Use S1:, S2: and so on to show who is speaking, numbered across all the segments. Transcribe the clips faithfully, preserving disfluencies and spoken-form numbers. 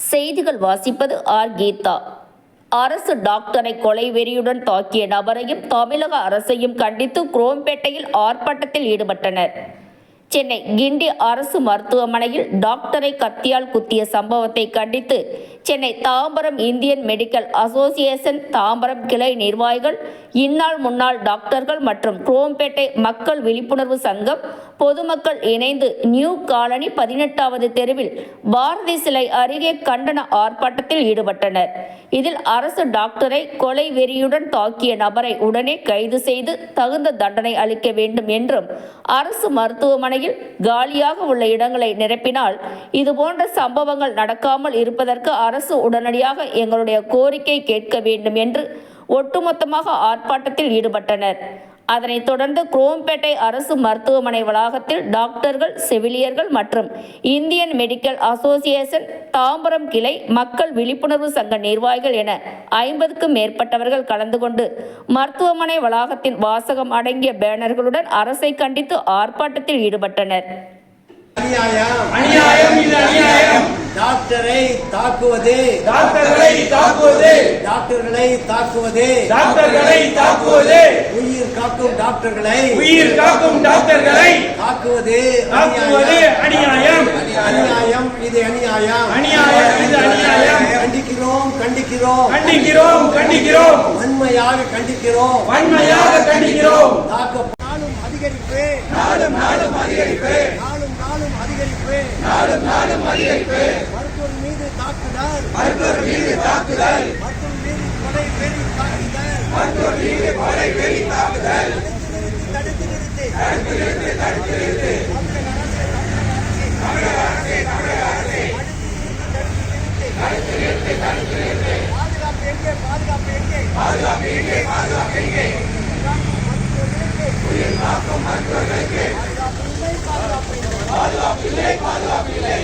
S1: செய்திகள் வாசிப்பது ஆர் கீதா. அரசு டாக்டரை கொலை வெறியுடன் தாக்கிய நபரையும் தமிழக அரசையும் கண்டித்து குரோம்பேட்டையில் ஆர்ப்பாட்டத்தில் ஈடுபட்டனர். சென்னை கிண்டி அரசு மருத்துவமனையில் டாக்டரை கத்தியால் குத்திய சம்பவத்தை கண்டித்து Chennai Tambaram Indian medical association Tambaram கிளை நிர்வாகிகள், இந்நாள் முன்னாள் டாக்டர்கள் மற்றும் குரோம்பேட்டை மக்கள் விழிப்புணர்வு சங்கம் பொதுமக்கள் இணைந்து நியூ காலனி பதினெட்டாவது தெருவில் பாரதி சிலை அருகே கண்டன ஆர்ப்பாட்டத்தில் ஈடுபட்டனர். இதில் அரசு டாக்டரை கொலை வெறியுடன் தாக்கிய நபரை உடனே கைது செய்து தகுந்த தண்டனை அளிக்க வேண்டும் என்றும், அரசு மருத்துவமனையில் காலியாக உள்ள இடங்களை நிரப்பினால் இதுபோன்ற சம்பவங்கள் நடக்காமல் இருப்பதற்கு அரசு உடனடியாக எங்களுடைய கோரிக்கை கேட்க வேண்டும் என்று ஒட்டுமொத்தமாக ஆர்ப்பாட்டத்தில் ஈடுபட்டனர். அதனைத் தொடர்ந்து குரோம்பேட்டை அரசு மருத்துவமனை வளாகத்தில் டாக்டர்கள், செவிலியர்கள் மற்றும் இந்தியன் மெடிக்கல் அசோசியேஷன் தாம்பரம் கிளை மக்கள் விழிப்புணர்வு சங்க நிர்வாகிகள் என ஐம்பதுக்கும் மேற்பட்டவர்கள் கலந்து கொண்டு மருத்துவமனை வளாகத்தின் வாசகம் அடங்கிய பேனர்களுடன் அரசை கண்டித்து ஆர்ப்பாட்டத்தில் ஈடுபட்டனர்.
S2: டாக்டரை தாக்குவது
S3: டாக்டர்களை தாக்குவது
S2: டாக்டர்களை தாக்குவது
S3: டாக்டர்களை தாக்குவது
S2: உயிர் காக்கும் டாக்டர்களை
S3: உயிர் காக்கும் டாக்டர்களை
S2: தாக்குவது
S3: தாக்குவது அநியாயம்
S2: அநியாயம் இது அநியாயம்
S3: அநியாயம் இது அநியாயம்
S2: கண்டிக்கிறோம் கண்டிக்கிறோம்
S3: கண்டிக்கிறோம் கண்டிக்கிறோம்
S2: வன்மையாக கண்டிக்கிறோம்
S3: வன்மையாக கண்டிக்கிறோம்
S2: தாக்க நாளும் அதிகரிப்பு
S3: நாளும் நாளும் அதிகரிப்பு
S2: நாளும் நாளும் அதிகரிப்பு
S3: நாளும் நாளும் அதிகரிப்பு
S2: மருத்துவர் மீது தாக்குதல்
S3: மருத்துவர் மீது தாக்குதல்
S2: மருத்துவர் மீது கொலை வெறி தாக்குதல்
S3: மருத்துவர் மீது கொலை வெறி தாக்குதல்
S2: தடுத்து நிறுத்தி
S3: தடுத்து நிறுத்து தடுத்து நிறுத்து
S2: தமிழக அரசே
S3: தமிழக அரசே தடுத்து நிறுத்து தடுத்து நிறுத்து
S2: பாதுகாப்பு எங்கே பாதுகாப்பு எங்கே
S3: பாதுகாப்பு எங்கே பாதுகாப்பு எங்கே உயிர் காக்கும் மருத்துவர்களுக்கு பாதுகாப்பு இல்லை பாதுகாப்பு இல்லை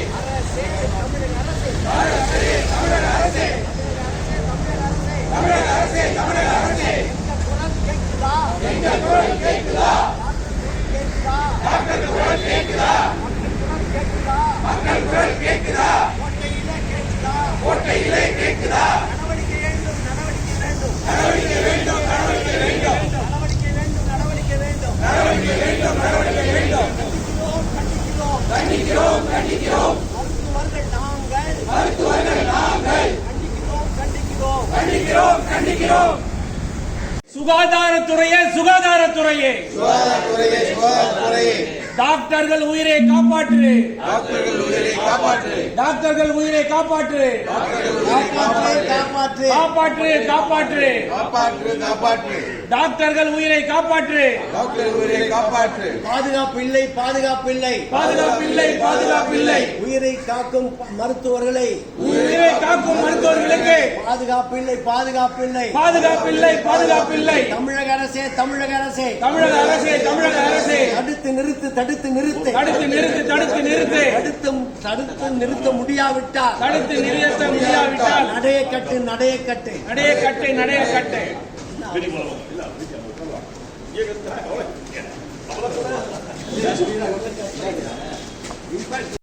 S3: அரசே தமிழக அரசே தமிழக அரசே தமிழக அரசே எங்கள் குரல் கேட்குதா டாக்டர் குரல் கேட்குதா மக்கள் குரல் கேட்குதா கோட்டையிலே கேட்குதா நடவடிக்கை வேண்டும் நடவடிக்கை வேண்டும் நடவடிக்கை வேண்டும் நடவடிக்கை வேண்டும் நடவடிக்கை வேண்டும் கண்டிக்கிறோம் கண்டிக்கிறோம்
S2: மருத்துவர்கள் நாங்கள்
S3: மருத்துவர்கள் நாங்கள்
S2: கண்டிக்கிறோம் கண்டிக்கிறோம்
S3: கண்டிக்கிறோம் கண்டிக்கிறோம் சுகாதாரத்துறையே சுகாதாரத்துறையே
S4: சுகாதாரத்துறையே சுகாதாரத்துறையே
S3: டாக்டர்கள் உயிரை காப்பாற்று
S4: டாக்டர்கள் உயிரை காப்பாற்று
S3: டாக்டர்கள் உயிரை காப்பாற்று
S2: காப்பாற்று காப்பாற்று
S3: காப்பாற்று காப்பாற்று
S4: காப்பாற்று காப்பாற்று
S3: டாக்டர்கள் உயிரை காப்பாற்று
S4: டாக்டர் உயிரை காப்பாற்று
S2: பாதுகாப்பு இல்லை பாதுகாப்பு இல்லை
S3: பாதுகாப்பில்லை பாதுகாப்பில்லை
S2: உயிரை காக்கும் மருத்துவர்களை
S3: உயிரை காக்கும் மருத்துவர்களுக்கு
S2: பாதுகாப்பு இல்லை பாதுகாப்பு இல்லை
S3: பாதுகாப்பில்லை பாதுகாப்பில்லை
S2: தமிழக அரசே தமிழக அரசே
S3: தமிழக அரசே தமிழக அரசே
S2: தடுத்து நிறுத்து தடுத்து நிறுத்து
S3: தடுத்து நிறுத்து தடுத்து நிறுத்து
S2: தடுத்து தடுத்து நிறுத்த முடியாவிட்டால்
S3: தடுத்து நிறுத்த முடியாவிட்டால்
S2: நடைய கட்டு நடைய கட்டு
S3: நடைய கட்டு நடைய கட்டு